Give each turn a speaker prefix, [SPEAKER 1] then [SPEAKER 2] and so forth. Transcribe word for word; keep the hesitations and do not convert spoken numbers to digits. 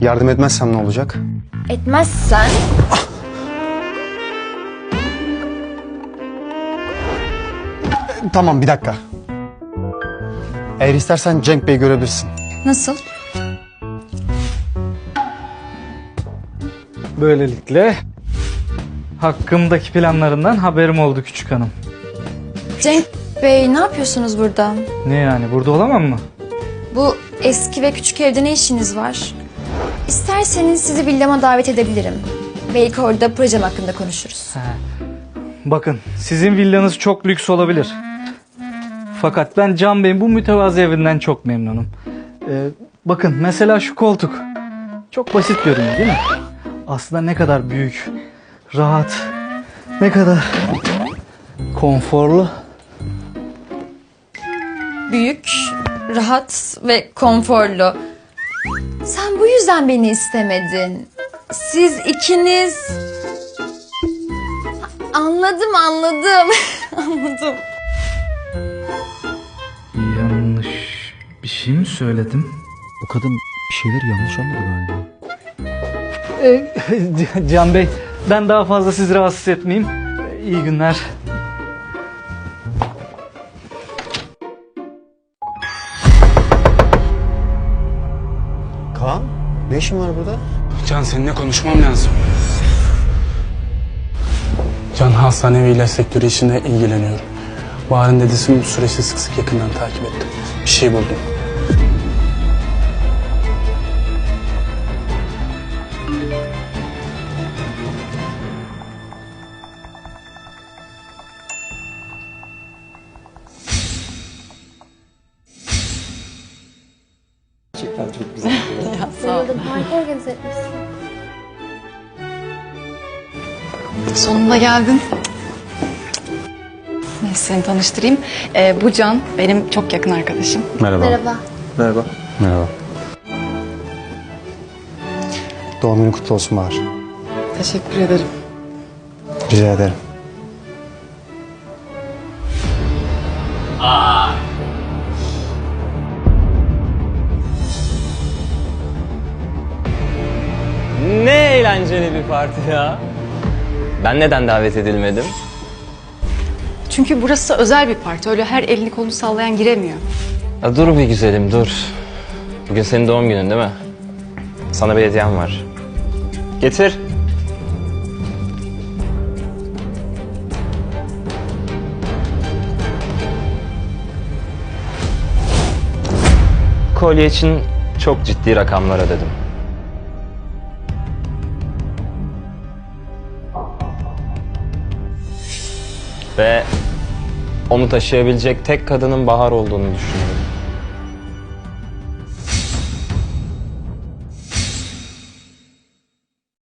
[SPEAKER 1] Yardım etmezsem ne olacak?
[SPEAKER 2] Etmezsen...
[SPEAKER 1] Tamam, bir dakika. Eğer istersen Cenk Bey'i görebilirsin.
[SPEAKER 2] Nasıl?
[SPEAKER 3] Böylelikle hakkımdaki planlarından haberim oldu küçük hanım.
[SPEAKER 2] Cenk Bey, ne yapıyorsunuz burada?
[SPEAKER 3] Ne yani, burada olamam mı?
[SPEAKER 2] Bu eski ve küçük evde ne işiniz var? İsterseniz sizi villama davet edebilirim. Belki orada projem hakkında konuşuruz.
[SPEAKER 3] Bakın, sizin villanız çok lüks olabilir. Fakat ben Can Bey'in bu mütevazı evinden çok memnunum. Ee, bakın mesela şu koltuk. Çok basit görünüyor değil mi? Aslında ne kadar büyük, rahat, ne kadar konforlu.
[SPEAKER 2] Büyük, rahat ve konforlu. Sen bu yüzden beni istemedin. Siz ikiniz... Anladım, anladım. Anladım.
[SPEAKER 3] Yanlış bir şey mi söyledim?
[SPEAKER 4] Bu kadın bir şeyleri yanlış anladı galiba.
[SPEAKER 3] Ee, Can Bey, ben daha fazla sizi rahatsız etmeyeyim. Ee, İyi günler.
[SPEAKER 1] Kaan, ne işin var burada?
[SPEAKER 5] Can, seninle konuşmam lazım. Can, hastane ve ilaç sektörü işine ilgileniyorum. Bahar'ın dedesini bu süreçte sık sık yakından takip ettim. Bir şey buldum.
[SPEAKER 6] Sonunda geldin. Neyse, seni tanıştırayım. Ee, bu Can, benim çok yakın arkadaşım.
[SPEAKER 1] Merhaba.
[SPEAKER 2] Merhaba.
[SPEAKER 1] Merhaba. Merhaba. Doğum günün kutlu olsun Bahar.
[SPEAKER 6] Teşekkür ederim.
[SPEAKER 1] Rica ederim.
[SPEAKER 7] Ne eğlenceli bir parti ya. Ben neden davet edilmedim?
[SPEAKER 6] Çünkü burası özel bir parti. Öyle her elini kolunu sallayan giremiyor.
[SPEAKER 7] Ya dur bir güzelim, dur. Bugün senin doğum günün değil mi? Sana bir hediyem var. Getir. Kolye için çok ciddi rakamlar ödedim. Ve onu taşıyabilecek tek kadının Bahar olduğunu düşünüyorum.